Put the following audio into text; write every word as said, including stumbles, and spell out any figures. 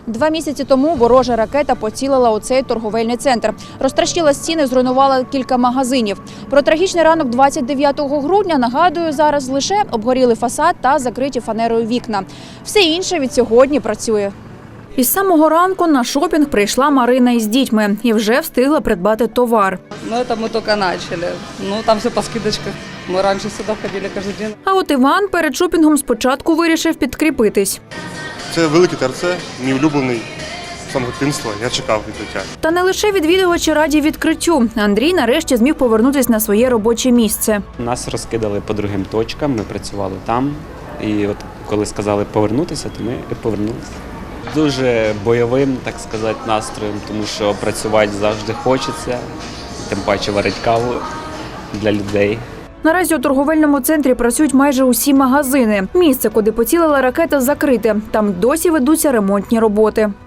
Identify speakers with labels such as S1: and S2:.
S1: Два місяці тому ворожа ракета поцілила у цей торговельний центр. Розтрощила стіни, зруйнувала кілька магазинів. Про трагічний ранок двадцять дев'ятого грудня, нагадую, зараз лише обгоріли фасад та закриті фанерою вікна. Все інше від сьогодні працює. Із самого ранку на шопінг прийшла Марина із дітьми і вже встигла придбати товар.
S2: Ну, это мы только начали. Ну, там все по скидочках. Мы раньше сюда ходили каждый день.
S1: А от Іван перед шопінгом спочатку вирішив підкріпитись.
S3: Це великий ТРЦ, мій улюблений з самого дитинства. Я чекав відкриття.
S1: Та не лише відвідувачі раді відкриттю. Андрій нарешті зміг повернутися на своє робоче місце.
S4: Нас розкидали по другим точкам, ми працювали там. І от коли сказали повернутися, то ми і повернулися. Дуже бойовим, так сказати, настроєм, тому що працювати завжди хочеться, тим паче варити каву для людей.
S1: Наразі у торговельному центрі працюють майже усі магазини. Місце, куди поцілила ракета, закрите. Там досі ведуться ремонтні роботи.